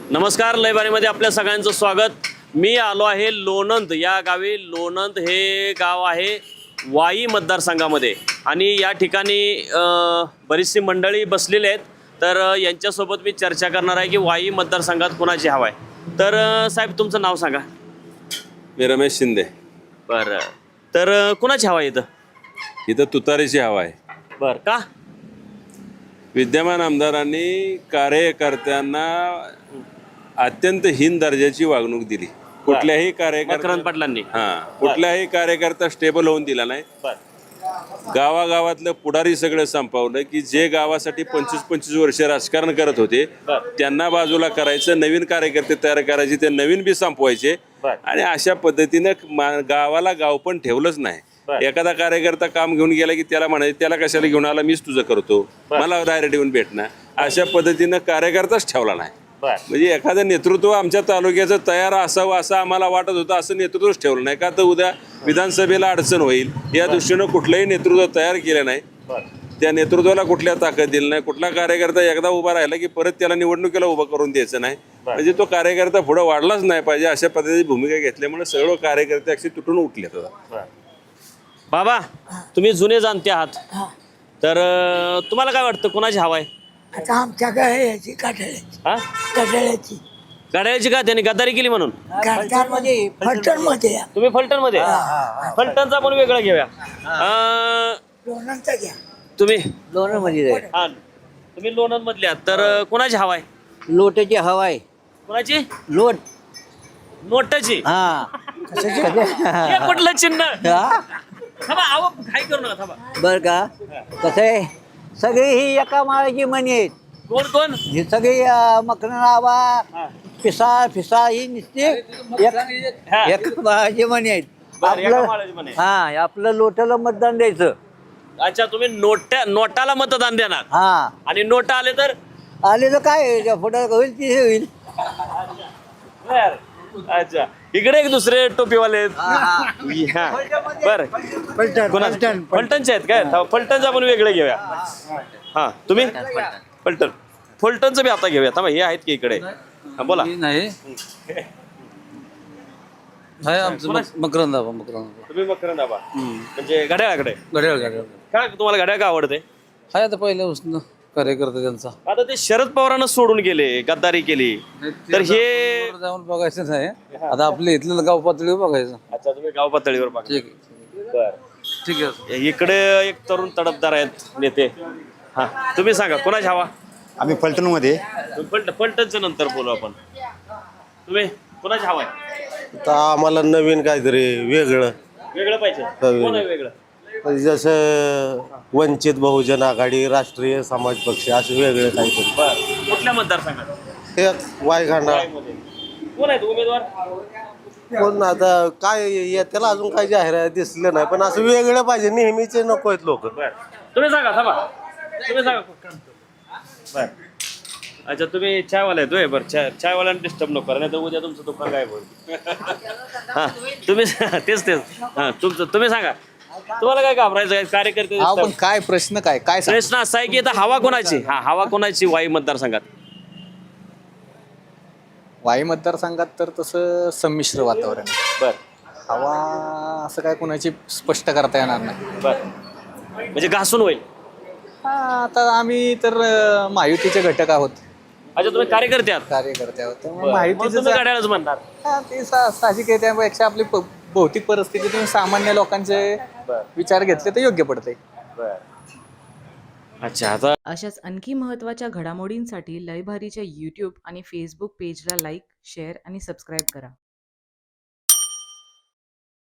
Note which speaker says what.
Speaker 1: नमस्कार, लयबारीमध्ये आपल्या सगळ्यांचं स्वागत। मी आलो आहे लोणंद या गावी। लोणंद हे गाव आहे वाई मतदारसंघामध्ये आणि या ठिकाणी बरीचशी मंडळी बसलेली आहेत। तर यांच्यासोबत मी चर्चा करणार आहे की वाई मतदारसंघात कोणाची हवा आहे। तर साहेब तुमचं नाव सांगा।
Speaker 2: मी रमेश शिंदे।
Speaker 1: बरं, तर कोणाची हवा आहे इथं?
Speaker 2: इथं तुतारीची हवा आहे।
Speaker 1: बरं, का?
Speaker 2: विद्यमान आमदारांनी कार्यकर्त्यांना अत्यंत हीन दर्जाची वागणूक दिली। कुठल्याही
Speaker 1: मकरंद पाटलांनी
Speaker 2: कुठल्याही कार्यकर्ता स्टेबल होऊन दिला नाही। गावागावातलं पुढारी सगळं संपवलं की जे गावासाठी 25-25 वर्ष राजकारण करत होते त्यांना बाजूला करायचं, नवीन कार्यकर्ते तयार करायचे, ते नवीन बी संपवायचे आणि अशा पद्धतीनं गावाला गाव पण ठेवलंच नाही। एखादा कार्यकर्ता काम घेऊन गेला की त्याला म्हणायचं त्याला कशाला घेऊन आला, मीच तुझं करतो, मला डायरेक्ट येऊन भेटणार, अशा पद्धतीनं कार्यकर्ताच ठेवला नाही। म्हणजे एखादं नेतृत्व आमच्या तालुक्याचं तयार असावं असं आम्हाला वाटत होतं, असं नेतृत्वच ठेवलं नाही। का तर उद्या विधानसभेला अडचण होईल या दृष्टीनं कुठलंही नेतृत्व तयार केलं नाही। त्या नेतृत्वाला कुठल्या ताकद दिली नाही। कुठला कार्यकर्ता एकदा उभा राहिला की परत त्याला निवडणुकीला उभा करून द्यायचं नाही। म्हणजे तो कार्यकर्ता पुढे वाढलाच नाही पाहिजे अशा पद्धतीची भूमिका घेतल्यामुळे सर्व कार्यकर्ते असे तुटून उठले।
Speaker 1: बाबा, तुम्ही जुने जाणते आहात, तर तुम्हाला काय वाटतं कोणाची हवा आहे?
Speaker 3: आता आमच्या याची कटाळ्याची
Speaker 1: गाड्याची का? त्यांनी गद्दारी केली म्हणून?
Speaker 3: फलटणमध्ये
Speaker 1: तुम्ही फलटण मध्ये? फलटणचा पण वेगळा घेऊया।
Speaker 3: लोणंदचा घ्या।
Speaker 1: तुम्ही
Speaker 4: लोणंदमध्ये
Speaker 1: हा, तुम्ही लोणंद मधल्या, तर कोणाची हवा आहे?
Speaker 4: लोटाची हवा आहे।
Speaker 1: कोणाची?
Speaker 4: लोट
Speaker 1: नोटाची?
Speaker 4: हा
Speaker 1: हे कुठलं चिन्ह? थांबा, अहो काय करू नका, थांबा।
Speaker 4: बर का, कसं आहे, सगळी ही एका माळाची मणी आहेत।
Speaker 1: कोण कोण?
Speaker 4: ही सगळी मकरनाबा फिसा ही नुसती एका माळाची मणी आहेत।
Speaker 1: बरं, एका
Speaker 4: आपलं
Speaker 1: माळाची म्हणे।
Speaker 4: हा, आपलं लोटाला मतदान द्यायचं।
Speaker 1: अच्छा, तुम्ही नोटाला मतदान देणार
Speaker 4: हा,
Speaker 1: आणि नोटा आले तर?
Speaker 4: आले तर काय पुढे होईल ती होईल।
Speaker 1: बर, अच्छा, इकडे एक दुसरे टोपीवाले आहेत। बर, फलटणचे आहेत काय? फलटणचा पण वेगळे घेऊया। हा, तुम्ही फलटणचं बी आता घेऊया। थांबा, हे आहेत की इकडे? हा, बोला।
Speaker 5: नाही मकरंदाबा
Speaker 1: तुम्ही मकरंदाबा, म्हणजे घड्याळाकडे?
Speaker 5: घड्याळ
Speaker 1: काय तुम्हाला घड्याळ का आवडते?
Speaker 5: हाय आता पहिल्यापासून कार्यकर्ता त्यांचा।
Speaker 1: आता ते शरद पवारांना सोडून गेले, गद्दारी केली, तर हे
Speaker 5: जाऊन बघायचं नाही, आता आपल्या इथलं गाव पातळीवर बघायचं।
Speaker 1: अच्छा, तुम्ही गाव पातळीवर बघा।
Speaker 5: ठीक आहे, ठीक आहे।
Speaker 1: इकडे एक तरुण तडफदार आहेत नेते। हा, तुम्ही सांगा कोणाची हवा?
Speaker 6: आम्ही फलटणमध्ये
Speaker 1: फलटणचं नंतर बोलू आपण। तुम्ही कोणाची हवा आहे?
Speaker 6: तर आम्हाला नवीन काहीतरी वेगळं
Speaker 1: वेगळं पाहिजे। कोण आहे वेगळं?
Speaker 6: जसं वंचित बहुजन आघाडी, राष्ट्रीय समाज पक्ष, असे वेगळे काहीतरी।
Speaker 1: बरं, कुठल्या मतदारसंघात?
Speaker 6: हे वायखांडा
Speaker 1: कोण आहेत उमेदवार?
Speaker 6: कोण आता काय त्याला अजून काही जाहिरात दिसलं नाही, पण असं वेगळं पाहिजे, नेहमीचे नको आहेत लोक।
Speaker 1: तुम्ही सांगा, थांबा, तुम्ही सांगा। बर, अच्छा, तुम्ही चायवाला येतोय? बरं, चायवाल्याने डिस्टर्ब नको करा, नाही तर उद्या तुमचं दुकान काय होईल। हा, तुम्ही तेच हा, तुम्ही सांगा, तुम्हाला काय घाबरायचं आहे? कार्यकर्ते
Speaker 7: पण काय प्रश्न काय
Speaker 1: प्रश्न असा आहे की आता हवा कोणाची? हा, हवा कोणाची वाई मतदारसंघात?
Speaker 7: वाई मतदारसंघात तर तसं संमिश्र वातावरण आहे।
Speaker 1: बर,
Speaker 7: हवा असं काय कोणाची स्पष्ट करता येणार नाही।
Speaker 1: बर, म्हणजे घासून होईल?
Speaker 7: आता आम्ही तर महायुतीचे घटक आहोत।
Speaker 1: अच्छा, तुम्ही कार्यकर्ते आहात?
Speaker 7: कार्यकर्ते आहोत,
Speaker 1: तुम्ही
Speaker 7: महायुतीचे
Speaker 1: गाड्यालाच म्हणणार?
Speaker 7: ते साहजिक आहे। त्यापेक्षा आपली भौतिक परिस्थितीतून सामान्य लोकांचे विचार घेतले तर योग्य पडते।
Speaker 1: अच्छा, आता
Speaker 8: अशाच आणखी महत्त्वाच्या घडामोडींसाठी लयभारीच्या यूट्यूब आणि फेसबुक पेजला लाईक, शेअर आणि सबस्क्राईब करा।